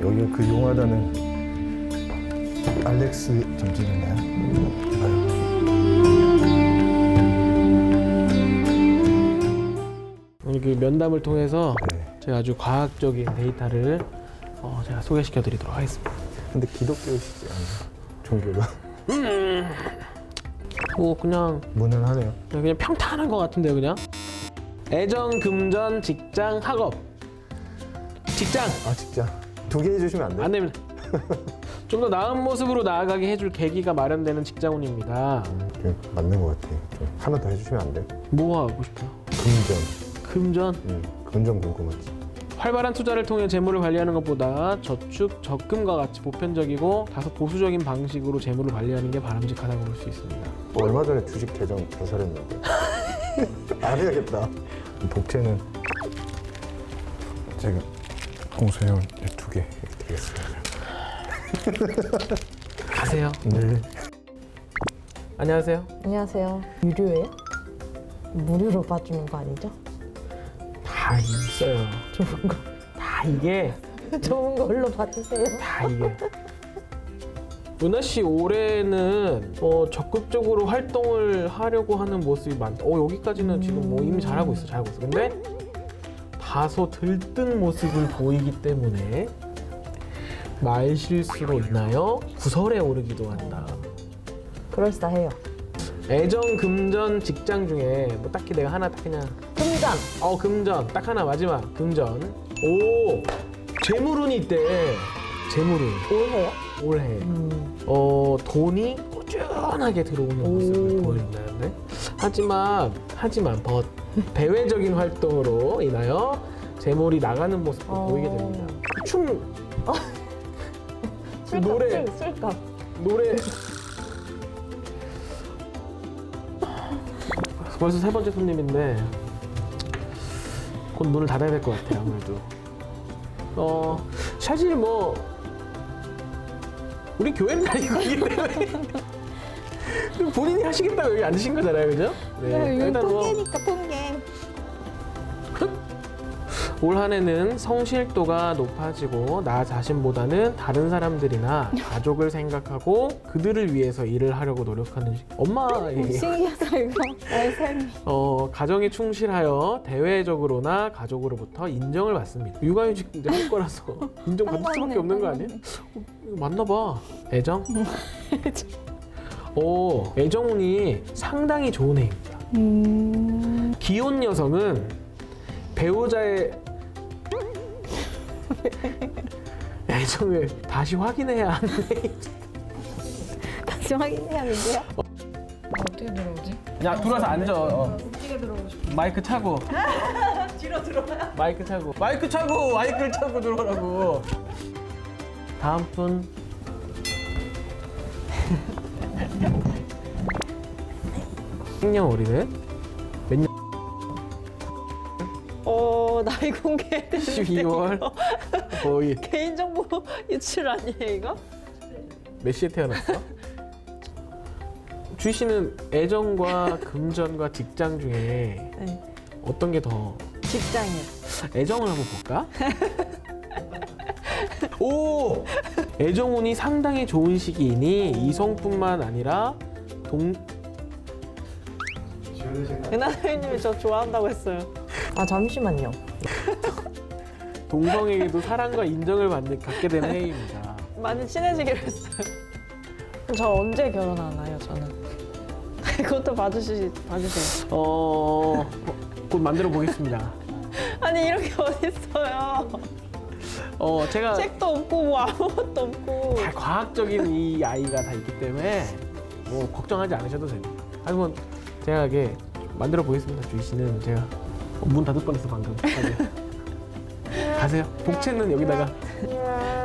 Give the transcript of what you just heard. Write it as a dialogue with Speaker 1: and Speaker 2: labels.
Speaker 1: 여기가 그 용하다는 알렉스 점집인가요?
Speaker 2: 오늘 그 면담을 통해서
Speaker 1: 네.
Speaker 2: 제가 아주 과학적인 데이터를 제가 소개시켜 드리도록 하겠습니다.
Speaker 1: 근데 기독교시지 않나요? 종교가?
Speaker 2: 뭐 그냥
Speaker 1: 무난하네요.
Speaker 2: 평탄한 것 같은데요, 그냥. 애정, 금전, 직장, 학업. 직장
Speaker 1: 아 진짜? 2개 해주시면 안 돼요?
Speaker 2: 안 됩니다. 좀 더 나은 모습으로 나아가게 해줄 계기가 마련되는 직장운입니다.
Speaker 1: 맞는 것 같아요. 좀 하나 더 해주시면 안 돼요?
Speaker 2: 뭐 하고 싶어요?
Speaker 1: 금전.
Speaker 2: 금전.
Speaker 1: 금전 궁금하지.
Speaker 2: 활발한 투자를 통해 재물을 관리하는 것보다 저축, 적금과 같이 보편적이고 다소 보수적인 방식으로 재물을 관리하는 게 바람직하다고 볼 수 있습니다.
Speaker 1: 얼마 전에 주식 계정 개설했는데 안 해야겠다. 복채는 제가 공소해온 2개 드리겠습니다.
Speaker 2: 가세요.
Speaker 1: 네.
Speaker 2: 안녕하세요.
Speaker 3: 안녕하세요. 유료예요? 무료로 봐주는 거 아니죠?
Speaker 2: 다 있어요.
Speaker 3: 좋은 거.
Speaker 2: 다 이게
Speaker 3: 좋은 걸로 봐주세요.
Speaker 2: 다 이게. 은하 씨 올해는 적극적으로 활동을 하려고 하는 모습이 많다. 여기까지는 지금 뭐 이미 잘하고 있어. 근데 다소 들뜬 모습을 보이기 때문에 말 실수로 인하여 구설에 오르기도 한다.
Speaker 3: 그럴싸해요.
Speaker 2: 애정, 금전, 직장 중에 뭐 딱히 내가 하나 딱 그냥
Speaker 3: 금전.
Speaker 2: 금전 딱 하나 마지막 금전. 오, 재물운이 있대. 재물운
Speaker 3: 올해요?
Speaker 2: 올해. 돈이 꾸준하게 들어오는 모습을 보인다는데. 하지만 대외적인 활동으로 인하여 재물이 나가는 모습을 보이게 됩니다.
Speaker 3: 술값.
Speaker 2: 노래 벌써 3번째 손님인데 곧 문을 닫아야 될 것 같아요. 아무래도 사실 뭐 우리 교회는 다니고 있기 때문에 본인이 하시겠다고 여기 앉으신 거잖아요, 그죠?
Speaker 3: 이건 통계니까 통계.
Speaker 2: 올 한 해는 성실도가 높아지고 나 자신보다는 다른 사람들이나 가족을 생각하고 그들을 위해서 일을 하려고 노력하는 엄마의
Speaker 3: 신기하다 이거. 나의 삶이.
Speaker 2: 가정에 충실하여 대외적으로나 가족으로부터 인정을 받습니다. 육아휴직 할 거라서 인정받을 수밖에 없는 거 아니에요? 맞나 봐. 애정? 애정운이 상당히 좋은 해입니다. 기혼 여성은 배우자의 애정을 다시 확인해야 하는 해.
Speaker 3: 다시 확인해야 하는데요?
Speaker 4: 어떻게 들어오지?
Speaker 2: 야, 들어와서 앉아.
Speaker 4: 어떻게 들어오고 싶어?
Speaker 2: 마이크 차고.
Speaker 4: 뒤로 들어와요?
Speaker 2: 마이크를 차고 들어오라고. 다음 분. 생년월일은 몇 년?
Speaker 3: 나이 공개해야 되는데
Speaker 2: 12월 5일.
Speaker 3: 개인정보 유출 아니에요 이거?
Speaker 2: 몇 시에 태어났어? 주희 씨는 애정과 금전과 직장 중에
Speaker 3: 네.
Speaker 2: 어떤 게 더
Speaker 3: 직장이요.
Speaker 2: 애정을 한번 볼까? 오! 애정운이 상당히 좋은 시기이니 이성뿐만 아니라
Speaker 3: 은하 선생님이 저 좋아한다고 했어요. 아 잠시만요.
Speaker 2: 동성에게도 사랑과 인정을 갖게 되는 해입니다.
Speaker 3: 많이 친해지기로 했어요. 저 언제 결혼하나요 저는? 그것도 봐주세요.
Speaker 2: 곧 만들어 보겠습니다.
Speaker 3: 아니 이런 게 어딨어요.
Speaker 2: 제가
Speaker 3: 책도 없고 뭐 아무것도 없고.
Speaker 2: 다 과학적인 이 아이가 다 있기 때문에 뭐 걱정하지 않으셔도 됩니다. 하지만 제가 이게 만들어 보겠습니다. 주희 씨는 제가 문 닫을 뻔했어 방금. 가세요. 복채는 여기다가.